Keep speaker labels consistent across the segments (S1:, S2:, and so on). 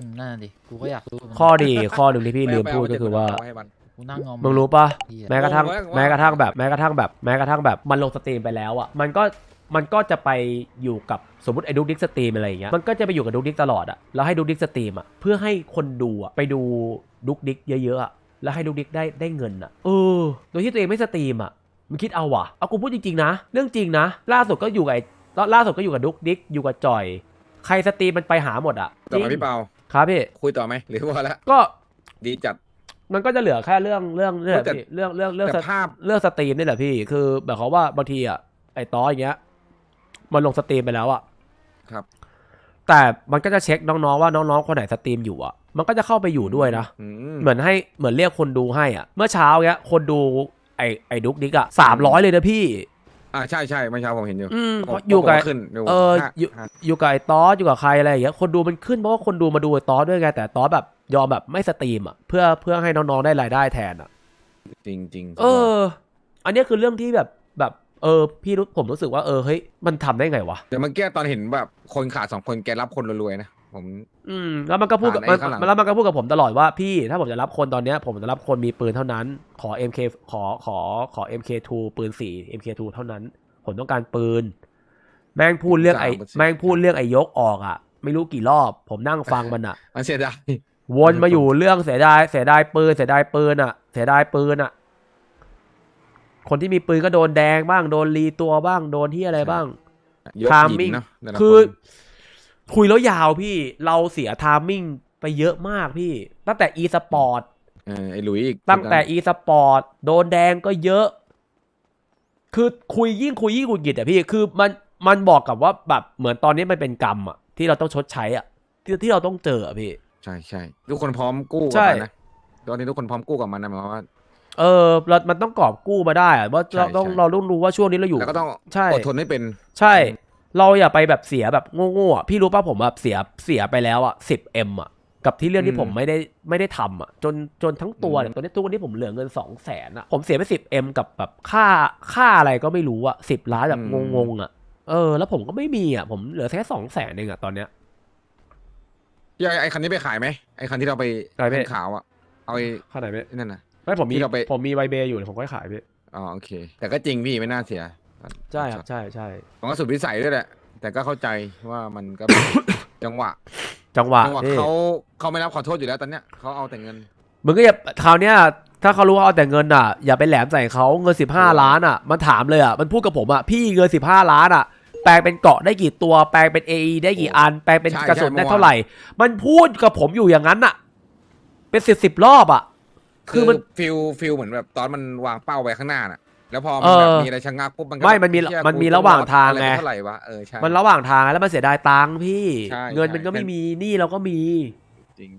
S1: นั่นดิกูก็อยากรู้
S2: ข้อดีข้อหนึ่งที่พี่ลืมพูดก็คือว่า
S1: กูนั่งงอม
S2: มึงรู้ปะ
S1: เหี้ย
S2: แม้กระทั่งแบบมันลงสตรีมไปแล้วอ่ะมันก็จะไปอยู่กับสมมติไอ้ดุ๊กดิ๊กสตรีมอะไรอย่างเงี้ยมันก็จะไปอยู่กับดุ๊กดิ๊กตลอดอ่ะแล้วให้ดุ๊กดิ๊กสตรีมอ่ะเพื่อให้คนดูอ่ะไปดูดุ๊กดิ๊กเยอะๆอ่ะแล้วให้ดุ๊กดิ๊กได้เงินอ่ะโดยที่ตัวเองไม่สตรีมอ่ะมึงคิดเอาว่ะเอากูพูดจริงๆนะเรื่องจริงนะล่าสุดก็อยู่กับดุ๊กดิ๊กอยู่กับจอยใครสตรีมมันไปหาหมดอ่ะ
S3: ต่อมาพี่เปา
S2: ครับพี่
S3: คุยต่อไหมหรือว่าแล้ว
S2: ก็
S3: ดีจัด
S2: มันก็จะเหลือแค่เรื่องนี่แหละ
S3: แต่
S2: พี่เรื่อง
S3: แต่ภาพ
S2: เรื่องสตรีมนี่แหละพี่คือแบบเขาว่าบางทีอ่ะไอ้ต้ออย่างเงี้ยมันลงสตรีมไปแล้วอ่ะ
S3: ครับ
S2: แต่มันก็จะเช็คน้องๆว่าน้องๆคนไหนสตรีมอยู่อ่ะมันก็จะเข้าไปอยู่ด้วยนะเหมือนเรียกคนดูให้อ่ะเมื่อเช้าเงี้ยคนดูไอ้ดุ๊กดิ๊กอ่ะ300เลยนะพี่
S3: ใช่เมื่อเช้าผมเห็นอยู่
S2: อยู่กับ
S3: ขึ้น
S2: อยู่กับไอ้ต้ออยู่กับใครอะไรอย่างเงี้ยคนดูมันขึ้นเพราะว่าคนดูมาดูไอ้ต้อด้วยไงแต่ต้อแบบยอมแบบไม่สตรีมอ่ะเพื่อให้น้องๆได้รายได้แทนอ่ะ
S3: จริง
S2: อันนี้คือเรื่องที่แบบพี่ผมรู้สึกว่าเฮ้ยมันทำได้ไงวะ
S3: เดี๋ยวเมื่อกี้ตอนเห็นแบบคนขาด2 คนแกรับคนรวยๆนะผม
S2: แล้วมันก็พูดกับผมตลอดว่าพี่ถ้าผมจะรับคนตอนเนี้ยผมจะรับคนมีปืนเท่านั้นขอ MK ขอ MK2 ปืน4 MK2 เท่านั้นผมต้องการปืนแม่งพูดเรื่องไอ้ยกออกอ่ะไม่รู้กี่รอบผมนั่งฟังมันอ่ะ
S3: เสียดาย
S2: วนมาอยู่เรื่องเสียดายปืนอ่ะคนที่มีปืนก็โดนแดงบ้างโดนรีตัวบ้างโดนที่อะไรบ้างทามมิ่งคือคุยแล้วยาวพี่เราเสียทามมิ่งไปเยอะมากพี่ตั้งแต่ e-sport
S3: ไอ้หลุยอีก
S2: ตั้งแต่ e-sport โดนแดงก็เยอะคือคุยยิ่งหงุดหงิดอ่ะพี่คือมันบอกกับว่าแบบเหมือนตอนนี้มันเป็นกรรมอ่ะที่เราต้องชดใช้อ่ะที่เราต้องเจออ่ะพี่
S3: ใช่ทุกคนพร้อมกู้กับมันนะตอนนี้ทุกคนพร้อมกู้กับมันนะหมายความว่า
S2: มันต้องกอบกู้มาได้อะว่าเราต้องรู้ว่าช่วงนี้เราอยู่
S3: แล้วก็ต้องอดทนให้เป็น
S2: ใช่เราอย่าไปแบบเสียแบบโง่ๆอ่ะพี่รู้ป่ะผมแบบเสียไปแล้วอ่ะ10M อ่ะกับที่เรื่องที่ผมไม่ได้ทำอ่ะจนทั้งตัวเนี่ยตอนนี้ทุกวันนี้ผมเหลือเงิน200,000อ่ะผมเสียไป10Mกับแบบค่าอะไรก็ไม่รู้อ่ะ10 ล้านแบบงงๆอ่ะแล้วผมก็ไม่มีอ่ะผมเหลือแค่200,000เองอ่ะตอนเนี้ย
S3: ไอ้คันนี้ไปขายไหมไอ้คันที่เราไปขาวอ่ะเอาไอ้
S2: คันไหนไป
S3: นั่นน่ะ
S2: ไม่ผมมีไวเบย์อยู่ผมก็ขายพี่
S3: โอเคแต่ก็จริงพี่ไม่น่าเสีย
S2: ใช่ครับใช่
S3: ผมก็สุดวิสัยด้วยแหละแต่ก็เข้าใจว่ามันก็ จังหวะเขาไม่รับขอโทษอยู่แล้วตอนเนี้ยเขาเอาแต่เงิน
S2: มึงก็อย่าคราวเนี้ยถ้าเขารู้ว่าเอาแต่เงินอ่ะอย่าไปแหลมใส่เขาเงิน15 ล้านอ่ะมันถามเลยอ่ะมันพูดกับผมอ่ะพี่เงิน15 ล้านอ่ะแปลงเป็นเกาะได้กี่ตัวแปลงเป็น AE ได้กี่อันแปลงเป็นกระสุนได้เท่าไหร่มันพูดกับผมอยู่อย่างนั้นอ่ะเป็น10 รอบอ่ะ
S3: คือมันฟิลเหมือนแบบตอนมันวางเป้าไว้ข้างหน้าน่ะแล้วพอมันแบบมีอะไรชะงักปุ๊บ
S2: มันมีระหว่างทางไง
S3: เท่าไหร่วะใช่
S2: มันระหว่างทางแล้วมันเสียดายตังค์พี่เงินมันก็ไม่มีหนี้เราก็มี
S3: จริง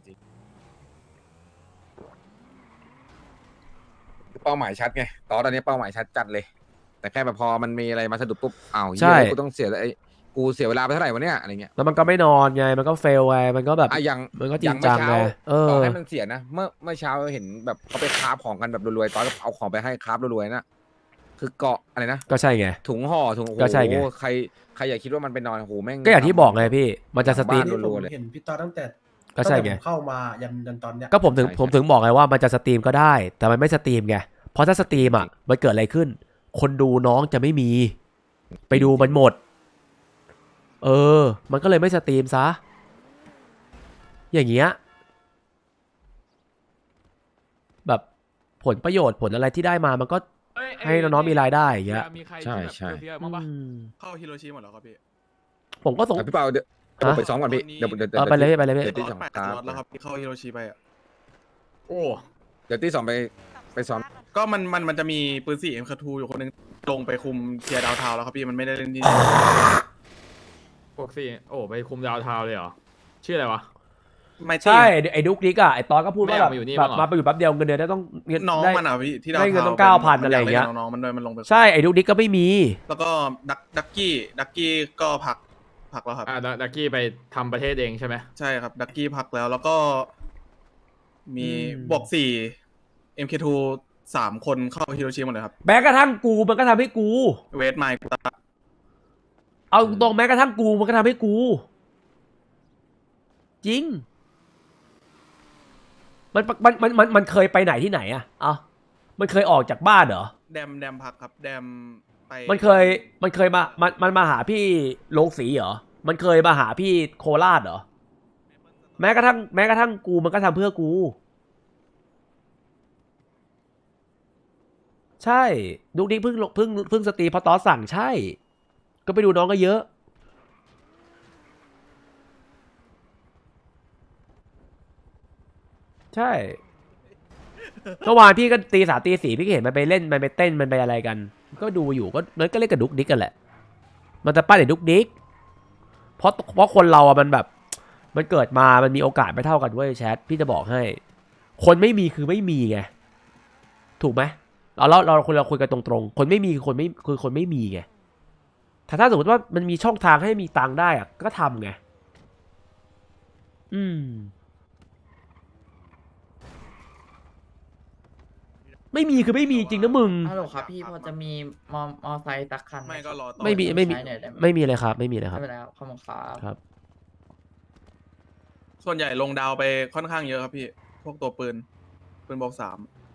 S3: เป้าหมายชัดไงตอนนี้เป้าหมายชัดจัดเลยแต่แค่แบบพอมันมีอะไรมาสะดุดปุ๊บ
S2: ใช่
S3: กูต้องเสียกูเสียเวลาไปเท่าไหร่วะเนี่ยอะไรเงี้ย
S2: แล้วมันก็ไม่นอนไงมันก็เฟลไงมันก็แบบมันก็จริงจังไง
S3: ต่อให้มันเสียนะเมื่อเช้าเห็นแบบเขาไปคราฟของกันแบบรวยๆตอนเอาของไปให้คราฟรวยๆนะคือเกาะอะไรนะ
S2: ก็ใช่ไง
S3: ถุงห่อถุง
S2: ก็ใช่ไง
S3: ใครอยากคิดว่ามันไปนอนโอ้โหแม่ง
S2: ก็อย่างที่บอกไงพี่มันจะสตรีม
S4: เห็นพี่ตาตั้งแต่
S2: ก็ใช่ไง
S4: เข้ามายันตอนเนี้ย
S2: ก็ผมถึงบอกไงว่ามันจะสตรีมก็ได้แต่มันไม่สตรีมไงเพราะถ้าสตรีมอ่ะมันเกิดอะไรขึ้นคนดูน้องจะไม่มีไปดูมันหมดมันก็เลยไม่สตรีมซะอย่างเงี้ยแบบผลประโยชน์ผลอะไรที่ได้มามันก็ให้น้องๆมีรายได้อย่างเงี้ย
S3: ใช่
S4: เข้าฮิโรชิหมดแล้วครับพี่
S2: ผมก็ส่ง
S3: พี่เปาเดี๋ยวไปซ้อมก่อนพี่เดี๋ยว
S2: ไปเลยพี่
S3: เดี๋ยวที่2
S4: แล้วครับเข้าฮิโรชิไปอ่ะ
S3: โอ้เดี๋ยวที่2ไปซ้อม
S4: ก็มันจะมีปืน4 MK2 อยู่คนนึงลงไปคุมเทียร์ดาวทาวแล้วครับพี่มันไม่ได้เล่นที่
S5: พวกสี่ไปคุมดาวทาวเลยเหรอชื่ออะไรวะ
S2: ไม่ใช่ไอ้ดุ๊กดิ๊กอ่ะไอ้ตอนก็พูดว่าแบบมาไปอยู่แป๊บเดียวเงินเดือนได้ต้อง
S4: น้องมันอ่ะพี่ที่
S2: ได้เงินต้อง9,000อะไรอย่างเงี้ย
S4: น้องมันลงไป
S2: ใช่ไอ้ดุ๊กดิ๊กก็ไม่มี
S4: แล้วก็ดักกี้ก็พักแล้วครับ
S5: ดักกี้ไปทำประเทศเองใช่ไหม
S4: ใช่ครับดักกี้พักแล้วก็มีบวก4 MK2 3 คนเข้าฮิโรชิหมดเลยครับ
S2: แม้กระทั่งกูมันก็ทำให้กู
S4: เวทไมค์
S2: เอาตรงแม้กระทั่งกูมันก็ทำให้กูจริงมันเคยไปไหนที่ไหนอะเอามันเคยออกจากบ้านเหรอ
S4: แดมพักครับแดมไป
S2: มันเคยมันมาหาพี่โรงสีเหรอ มันเคยมาหาพี่โคราชเหรอ แม้กระทั่งกูมันก็ทำเพื่อกู ใช่ดุกดิ๊กเพิ่งสตรีมเพราะตอสสั่งใช่ ก็ไปดูน้องก็เยอะ ใช่เมื่อวานพี่ก็ตี 3 ตี 4พี่ก็เห็นมันไปเล่นมันไปเต้นมันไปอะไรกัน ก็ดูอยู่ก็นั่นก็เล่นกับดุกดิ๊กกันแหละ มันจะป้าเด็กดุกดิ๊กเพราะคนเราอะมันแบบ มันเกิดมามันมีโอกาสไม่เท่ากันเว้ยแชทพี่จะบอกให้ คนไม่มีคือไม่มีไงถูกไหมเราคุยกันตรงๆคนไม่มีคือคนไม่มีไงถ้าสมมติว่ามันมีช่องทางให้มีตังค์ได้อะก็ทำไงไม่มีคือไม่มีจริงนะมึง
S6: ฮัลโหลครับพี่พอจะมีมอไซค์ตักคันห
S4: ไม่ก็รอต่อ
S2: ไม่มี
S6: ใช้หน่อยได้ไหม
S2: ไม่มีเลยครับไม่มีเลยครับ
S6: ไม่เป็นไรครับขอบคุณครับ
S2: ครับ
S4: ส่วนใหญ่ลงดาวไปค่อนข้างเยอะครับพี่พวกตัวปืนบอก3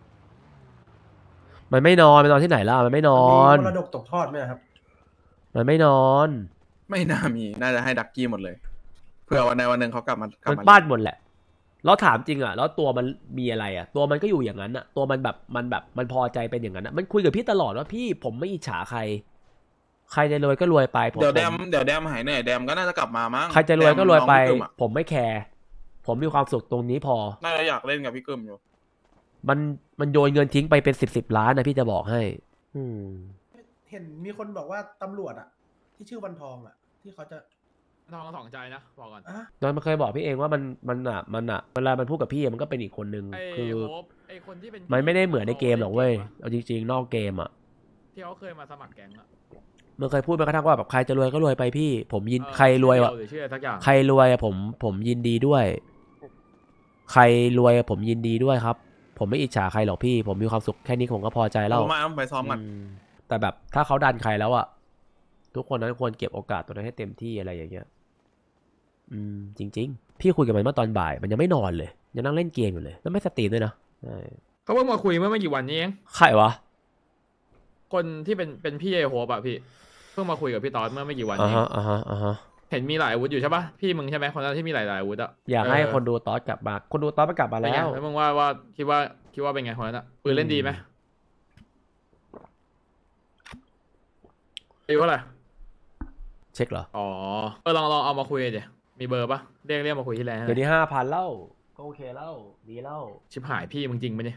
S2: มันไม่นอนที่ไหนล่ะมันไม่นอน
S7: มีมรดกตกทอดไหมครับ
S2: มันไม่นอน
S4: ไม่น่ามีน่าจะให้ดักกี้หมดเลยเผื่อวันใดวันหนึ่งเขากลับ
S2: มัน
S4: มา
S2: บ้านหมดแหละแล้วถามจริงอ่ะแล้วตัวมันมีอะไรอ่ะตัวมันก็อยู่อย่างนั้นอ่ะตัวมันแบบมันพอใจเป็นอย่างนั้นอ่ะมันคุยกับพี่ตลอดว่าพี่ผมไม่อิจฉาใครจะรวยก็รวยไปผม
S4: เดี๋ยวแดมหายเหนื่อยแดมก็น่าจะกลับมามั้ง
S2: ใครจะรวยก็รวยไป
S4: แดมน้องพี่กึ่มอะ
S2: ผมไม่แคร์ผมมีความสุขตรงนี้พอ
S4: น่าจะอยากเล่นกับพี่กึมอยู่
S2: มันโยนเงินทิ้งไปเป็น10 ล้านนะพี่จะบอกให้
S7: เห็นมีคนบอกว่าตำรวจอะที่ชื่อวันทองอะที่เขาจะ
S5: ทองสองใจนะบอกก่อน
S7: อะ
S2: นอนมันเคยบอกพี่เองว่ามันเวลามันพูดกับพี่มันก็เป็นอีกคนนึง
S5: ไอ้
S2: คือ
S5: โฮปไอ้คนที่เป็น
S2: มันไม่ได้เหมือนในเกมหรอกเว้ยเอาจริงๆนอกเกมอ่ะ
S5: ที่เขาเคยมาสมัครแก๊งอะ
S2: มันเคยพูดแม้กระทั่งว่าแบบใครจะรวยก็รวยไปพี่ผมยินใครรวยวะ
S5: หรือชื่ออะไรสักอย่าง
S2: ใครรวยอะผมยินดีด้วย ใครรวยอะผมยินดีด้วยครับ ผมไม่อิจฉาใครหรอกพี่ ผมมีความสุขแค่นี้ผมก็พอใจแล้ว
S4: มาต้องไปซ้อมกัน
S2: แต่แบบถ้าเขาดันใครแล้วอะทุกคนนั้นควรเก็บโอกาสตัวนั้นให้เต็มที่อะไรอย่างเงี้ยจริงๆพี่คุยกับมันเมื่อตอนบ่ายมันยังไม่นอนเลยยังนั่งเล่นเกมอยู่เลยแล้วไม่สตรีมด้วยนะใช่
S5: เขาเพิ่งมาคุยเมื่อไม่กี่วันนี้เอง
S2: ใครวะ
S5: คนที่เป็นพี่ไอ้โฮปอะพี่เพิ่งมาคุยกับพี่ตอสเมื่อไม่กี่วันนี้
S2: อ่าฮะ
S5: เห็นมีหลายอาวุธอยู่ใช่ปะพี่มึงใช่ไหมคนนั้นที่มีหลายอาวุธอะ
S2: อยากให้คนดูตอสกลับมาคนดูตอสมันกลับมา
S5: เป็นไง
S2: แล้ว
S5: แล้วมึงว่าคิดว่าเป็นไงคนนั้นอะปืนเล่นดีไหมอายุเท่าไหร่
S2: เช็คเหรอ
S5: อ๋อลองเอามาคุยเดี๋ยวมีเบอร์ปะเรียกมาคุยที่แลนด์
S2: เดี๋ยวนี้5,000แล้วก็โอเคแล้วดีแล้ว
S5: ชิบหายพี่มึงจริงปะเนี่ย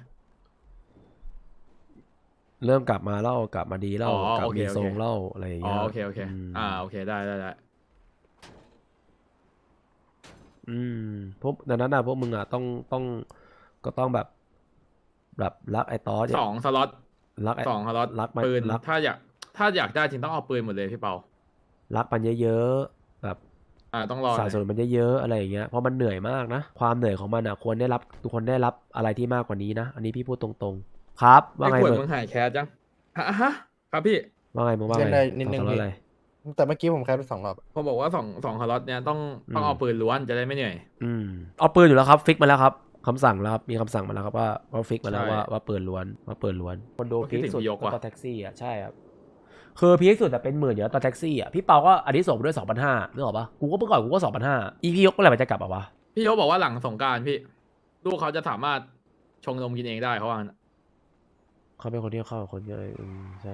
S2: เริ่มกลับมาแล้วกลับมาดีแล้ว
S5: อ๋อก
S2: ลับ
S5: โอเค
S2: มีทรง
S5: โอเค
S2: เล่าอะไรอย่าง
S5: อ๋อ
S2: เงี้ย
S5: โอเคโอเคโอเคได้
S2: พวกดังนั้นนะพวกมึงอ่ะก็ต้องแบบรักไอ้ตอส
S5: สองสล็อต
S2: รักไอ้
S5: สองสล็อต
S2: รักมัน
S5: ปืน
S2: รัก
S5: ถ้าอยากได้จริงต้องเอาปืนหมดเลยพี่เปา
S2: รักมันเยอะๆแบบ
S5: ต้องรอ
S2: สะสมมันเยอะๆอะไรอย่างเงี้ยเพราะมันเหนื่อยมากนะความเหนื่อยของมันอ่ะควรได้รับทุกคนได้รับอะไรที่มากกว่านี้นะอันนี้พี่พูดตรงๆครับว่า
S5: ไอ้
S2: ไง
S5: ขวด
S2: มึง
S5: มึงหายแคสจังฮะครับพี่
S2: ว่าไงมึงว่าไง
S8: เล่นได้นิดนึง
S2: สอ
S8: พี่
S2: อะไร
S8: แต่เมื่อกี้ผมแคปไป2 รอบ
S5: ผมบอกว่าสองสล็อตเนี่ยต้องเอาปืนล้วนจะได้ไม่เหนื่อย
S2: เอาปืนอยู่แล้วครับฟิกมาแล้วครับคำสั่งแล้วครับมีคำสั่งมาแล้วครับว่าฟิกมาแล้ว
S5: ใช่
S2: ว่าปืนล้วนคนดู
S5: ก็คิ
S2: พี
S5: ด
S2: ค
S5: ถึง
S2: สุด
S5: พี่ยกว่ะ
S2: ก็แท็กซี่อ่ะใช่ครับคือพีคสุดแต่เป็น10,000อยู่แล้วตอนแท็กซี่อ่ะพี่เปาก็อันนี้ส่งไปด้วย 2,500นึกออกปะกูก็เมื่อก่อนกูก็ 2,500อีพียกเมื่อไหร่มันจะกลับอ่ะวะ
S5: พี่เขาบอกว่าหลังสงกรารพี่ลูกเขาจะสามารถชงนมกินเองได้เขาว่างั้น
S2: เขาเป็นคนที่เข้ากับคนเยอะใช่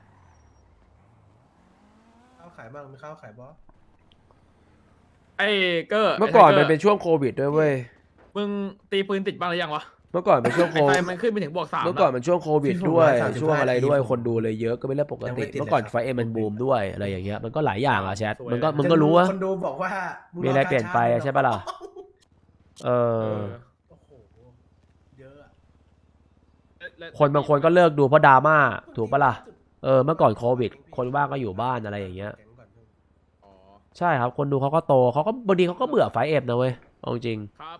S7: ข้าวขายบ้างมีข้าวขายบอส
S5: ไอ้เกอร์
S2: เมื่อก่อน
S5: ไไท
S2: มัน
S5: ก
S2: เป็นช่วงโควิดด้วยเว้ย
S5: มึงตีปืนติดบ้างหรือยังวะ
S2: เมื่อก่อนเป็นช่วงโค
S5: ไอ้ไฟ
S2: วิด
S5: มันขึ้นไปถึงบวก 3
S2: เมื่อก่อนเป็นช่วงโควิดด้วยช่วงอะไรด้วยคนดูเลยเยอะก็เป็นเรื่องปกติเมื่อก่อนไฟเอ็มมันบูมด้วยอะไรอย่างเงี้ยมันก็หลายอย่างอะแชทมึงก็รู้ว่า
S7: คนดูบอกว่า
S2: มี
S7: มี
S2: อะไรเปลี่ยนไปอะใช่ปะล่ะ
S5: เออ
S7: โอ้โหเยอะอะ
S2: คนบางคนก็เลิกดูเพราะดราม่าถูกปะล่ะเมื่อก่อนโควิดคนว่างก็อยู่บ้านอะไรอย่างเงี้ย
S5: อ๋อ
S2: ใช่ครับคนดูเขาก็โตเขาก็บางทีเขาก็เบื่อไฟเอ็มนะเว้ยเอาจริง
S5: ครับ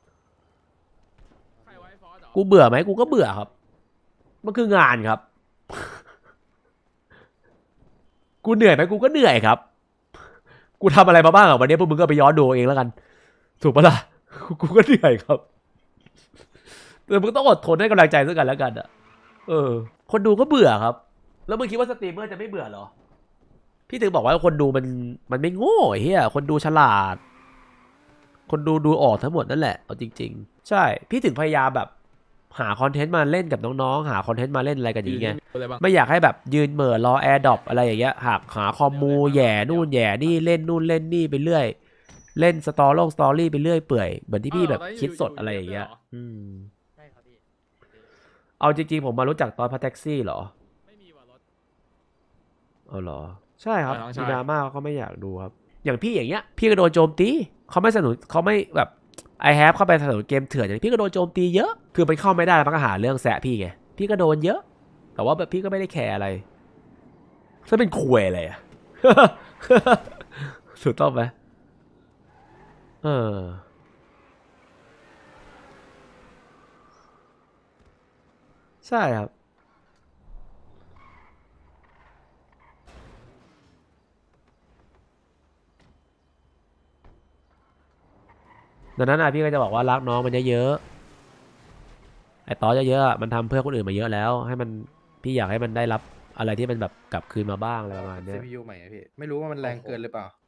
S5: ใครไว้ฟอสเหรอ
S2: กูเบื่อไหมกูก็เบื่อครับมันคืองานครับ กูเหนื่อยไหมกูก็เหนื่อยครับ กูทำอะไรมาบ้างอ่ะวันนี้พวกมึงก็ไปย้อนดูเองแล้วกัน ถูกปะล่ะ กูก็เหนื่อยครับแต่มึงต้องอดทนให้กำลังใจซึ่งกันและกันอะคนดูก็เบื่อครับ แล้วมึงคิดว่าสตรีมเมอร์จะไม่เบื่อเหรอ พี่ถึงบอกว่าคนดูมันไม่โง่ไอ้เหี้ยคนดูฉลาด คนดูออกทั้งหมดนั่นแหละเอาจริงๆใช่พี่ถึงพยายามแบบหาคอนเทนต์มาเล่นกับน้องๆหาคอนเทนต์มาเล่นอะไรกันอย่างเงี้ย
S5: อะไรบ้าง
S2: ไม่อยากให้แบบยืนเหม่อรอแอร์ดรอปอะไรอย่างเงี้ยหาคอมมูแย่นู่นแย่นี่เล่นนู่นเล่นนี่ไปเรื่อย เล่นสตอรี่ไปเรื่อยเปื่อยเหมือนที่พี่แบบคิดสดอะไรอย่างเงี้ย
S6: ใช่ครับพี่
S2: เอาจริงๆผมมารู้จักตอนพัทแท็กซี่เหรอ
S5: ไม่มีว่ารถ
S2: เอาเหรอใช่ครับ
S5: น้องชาย
S2: มีดราม่าเขาไม่อยากดูครับอย่างพี่อย่างเงี้ยพี่ก็โดนโจมตีเขาไม่สนับสนุนเขาไม่แบบไอแฮปเข้าไปสนับสนุนเกมเถื่อนอย่างนี้พี่ก็โดนโจมตีเยอะคือมันเข้าไม่ได้มันก็หาเรื่องแซะพี่ไงพี่ก็โดนเยอะ แต่ว่าแบบพี่ก็ไม่ได้แคร์อะไรถ้าเป็นคุยอะไรอะ ถูกต้องไหมใช่ครับดังนั้นพี่ก็จะบอกว่ารักน้องมันเยอะๆไอ้ตอเยอะๆมันทำเพื่อคนอื่นมาเยอะแล้วให้มันพี่อยากให้มันได้รับอะไรที่มันแบบกลับคืนมาบ้างอะไรประมาณเนี้ย
S8: CPU ใหม่อะพี่ ไม่รู้ว่ามันแรงเกินหรือเปล่า